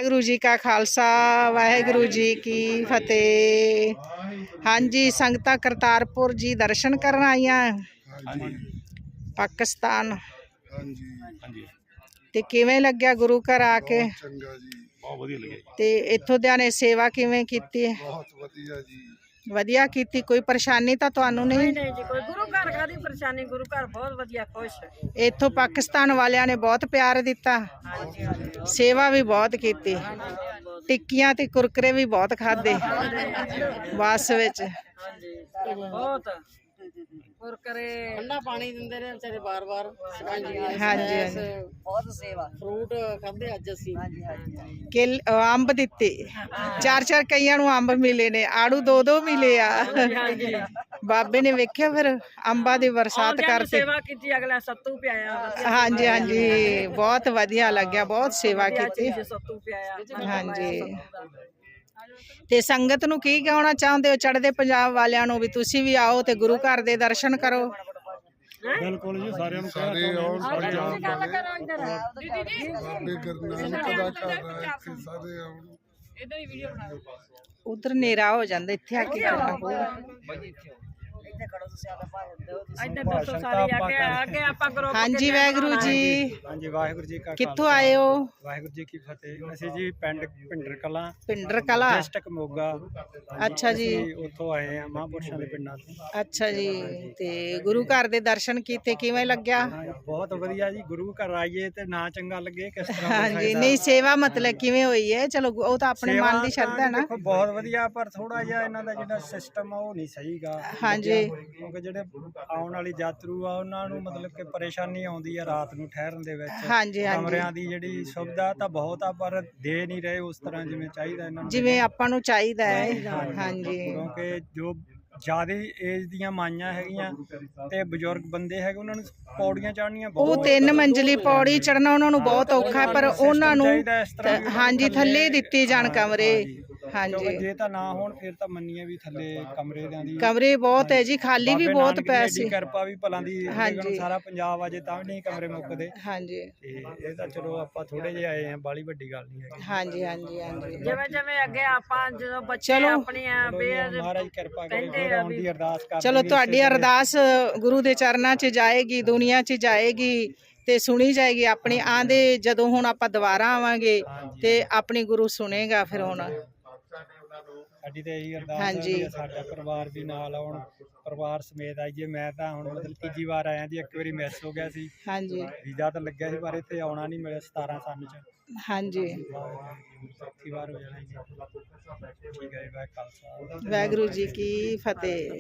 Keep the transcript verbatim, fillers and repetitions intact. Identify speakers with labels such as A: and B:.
A: वाहिगुरू जी का खालसा वाहिगुरू जी की फतेह। हाँ जी, संगतां करतारपुर जी दर्शन करन आईयां पाकिस्तान। ते किवें लग्या गुरु घर आके? ते इत्थों दियां ने सेवा किवें कीती? वधिया कीती। कोई परेशानी तां तुहानू नहीं?
B: नहीं जी, कोई गुरु घर कादी परेशानी, गुरु घर बहुत वधिया खुश।
A: इत्थों पाकिस्तान वालियां ने बहुत प्यार दिता, सेवा भी बहुत कीती, टिक्कियां ते कुरकुरे भी बहुत खाधे बस विच।
B: बहुत कुरकुरे ठंडा पानी दिंदे ने बेचारे बार बार।
A: हाँ जी
B: बहुत सेवा, फ्रूट खाधे अज असीं।
A: किल अंब दिते, चार चार कईयां नूं अंब मिले ने, आड़ू दो दो मिले आ। बाबे ने वेख्या फिर अंबा दी बरसात करती,
B: सेवा कीती, अगला सत्तू पियाया।
A: हाँ जी हाँ जी, बहुत वधिया लग्या, बहुत सेवा कीती।
B: सत्तू पियाया।
A: हाँ जी। ते संगत नूं की कहना चाहुंदे हो चढ़दे पंजाब वालियां नूं भी तुसीं भी आओ ते गुरु घर दे दर्शन करो?
C: बिल्कुल जी, सारिਆਂ ਨੂੰ
A: सारे
C: ਆਉਣ
A: उधर नेरा हो जांदा, इत्थे आके करना पऊगा। हाँ जी वाहिगुरू जी।
C: हाँ जी वाहिगुरू जी का
A: कित्थों आए हो?
C: वाहिगुरू जी की फतेह। ਅਸੀਂ जी ਪਿੰਡ ਭਿੰਡਰ ਕਲਾਂ,
A: ਭਿੰਡਰ ਕਲਾਂ,
C: ਡਿਸਟ੍ਰਿਕਟ ਮੋਗਾ।
A: अच्छा जी,
C: ਉੱਥੋਂ ਆਏ ਆ ਮਹਾਂਪੁਰਸ਼ਾਂ ਦੇ ਪਿੰਡਾਂ ਤੋਂ।
A: अच्छा जी। ते गुरु घर दे दर्शन कीते, किवें लग्या?
C: बहुत वधिया जी, गुरु घर आइए ते ना चंगा लगे किस तरह।
A: हाँ जी, नहीं सेवा मतलब किवें होई है? चलो ਉਹ ਤਾਂ ਆਪਣੇ ਮਨ ਦੀ ਸ਼ਰਧਾ ਨਾ।
C: ਦੇਖੋ ਬਹੁਤ ਵਧੀਆ, ਪਰ ਥੋੜਾ ਜਿਹਾ ਇਹਨਾਂ ਦਾ ਜਿਹੜਾ ਸਿਸਟਮ ਆ ਉਹ ਨਹੀਂ ਸਹੀਗਾ।
A: हाँ जी,
C: ਕਿਉਂਕਿ ਜਿਹੜੇ ਆਉਣ ਵਾਲੀ ਯਾਤਰੂ ਆ ਉਹਨਾਂ ਨੂੰ ਮਤਲਬ ਕਿ ਪਰੇਸ਼ਾਨੀ ਆਉਂਦੀ ਆ ਰਾਤ ਨੂੰ ਠਹਿਰਨ ਦੇ ਵਿੱਚ।
A: हाँ जी हाँ जी,
C: ਕਮਰਿਆਂ ਦੀ ਜਿਹੜੀ ਸੁਵਿਧਾ ਤਾਂ ਬਹੁਤ ਆ, ਪਰ ਦੇ ਨਹੀਂ ਰਹੇ ਉਸ ਤਰ੍ਹਾਂ ਜਿਵੇਂ ਚਾਹੀਦਾ ਇਹਨਾਂ ਨੂੰ,
A: ਜਿਵੇਂ ਆਪਾਂ ਨੂੰ ਚਾਹੀਦਾ ਹੈ। हाँ जी,
C: ਕਿਉਂਕਿ ਜੋ ਜ਼ਿਆਦਾ ਏਜ ਦੀਆਂ ਮਾਈਆਂ ਹੈਗੀਆਂ ਤੇ ਬਜ਼ੁਰਗ ਬੰਦੇ ਹੈਗੇ, ਉਹਨਾਂ ਨੂੰ ਪੌੜੀਆਂ ਚੜ੍ਹਨੀਆਂ
A: ਉਹ
C: ਬਹੁਤ
A: ਤਿੰਨ ਮੰਜ਼ਲੀ ਪੌੜੀ ਚੜਨਾ ਉਹਨਾਂ ਨੂੰ ਬਹੁਤ ਔਖਾ ਹੈ, ਪਰ ਉਹਨਾਂ ਨੂੰ ਹਾਂਜੀ ਥੱਲੇ ਦਿੱਤੇ ਜਾਣ ਕਮਰੇ। ਹਾਂਜੀ,
C: ਜੇ ਤਾਂ ਨਾ ਹੋਣ ਫਿਰ ਤਾਂ ਮੰਨੀਏ ਵੀ ਥੱਲੇ ਕਮਰੇ ਦਿਆਂ ਦੀ
A: ਕਮਰੇ ਬਹੁਤ ਹੈ ਜੀ, ਖਾਲੀ ਵੀ ਬਹੁਤ ਪੈਸੇ।
C: ਕਿਰਪਾ ਵੀ ਭਲਾਂ ਦੀ,
A: ਹਾਂਜੀ,
C: ਸਾਰਾ ਪੰਜਾਬ ਅਜੇ ਤਾਂ ਵੀ ਨਹੀਂ ਕਮਰੇ ਮੁੱਕਦੇ।
A: ਹਾਂਜੀ,
C: ਤੇ ਇਹ ਤਾਂ ਚਲੋ ਆਪਾਂ ਥੋੜੇ ਜਿਹੇ ਆਏ ਆ, ਬਾਲੀ ਵੱਡੀ ਗੱਲ ਨਹੀਂ ਹੈਗੀ।
A: ਹਾਂਜੀ ਹਾਂਜੀ ਹਾਂਜੀ,
B: ਜਿਵੇਂ ਜਿਵੇਂ ਅੱਗੇ ਆਪਾਂ ਜਦੋਂ ਬੱਚੇ ਆਪਣੀਆਂ ਬੇਅਦ
C: ਮਹਾਰਾਜ ਕਿਰਪਾ ਕਰੇ, ਆਉਣ ਦੀ ਅਰਦਾਸ ਕਰ।
A: ਚਲੋ ਤੁਹਾਡੀ ਅਰਦਾਸ ਗੁਰੂ ਦੇ ਚਰਨਾਂ 'ਚ ਜਾਏਗੀ, ਦੁਨੀਆ 'ਚ ਜਾਏਗੀ ਤੇ ਸੁਣੀ ਜਾਏਗੀ ਆਪਣੀ। ਆਂਦੇ ਜਦੋਂ ਹੁਣ ਆਪਾਂ ਦੁਬਾਰਾ ਆਵਾਂਗੇ ਤੇ ਆਪਣੀ ਗੁਰੂ ਸੁਣੇਗਾ ਫਿਰ। ਹੁਣ
C: ਸਾਡੀ ਤਾਂ ਇਹੀ ਅਰਦਾਸ ਹੈ ਸਾਡਾ ਪਰਿਵਾਰ ਵੀ ਨਾਲ ਆਉਣ, ਪਰਿਵਾਰ ਸਮੇਤ ਆਈਏ। ਮੈਂ ਤਾਂ ਹੁਣ ਮਤਲਬ ਤੀਜੀ ਵਾਰ ਆਇਆ ਜੀ, ਇੱਕ ਵਾਰੀ ਮਿਸ ਹੋ ਗਿਆ ਸੀ। ਹਾਂਜੀ, ਵੀਜ਼ਾ ਤਾਂ ਲੱਗਿਆ ਸੀ ਪਰ ਇੱਥੇ ਆਉਣਾ ਨਹੀਂ ਮਿਲਿਆ ਸਤਾਰਾਂ ਸੰਨ ਚ। ਹਾਂਜੀ, ਚੌਥੀ ਵਾਰ ਹੋ ਜਾਣਾ ਜੀ। ਠੀਕ ਹੈ ਜੀ, ਵਾਹਿਗੁਰੂ ਜੀ ਕੀ ਫਤਿਹ।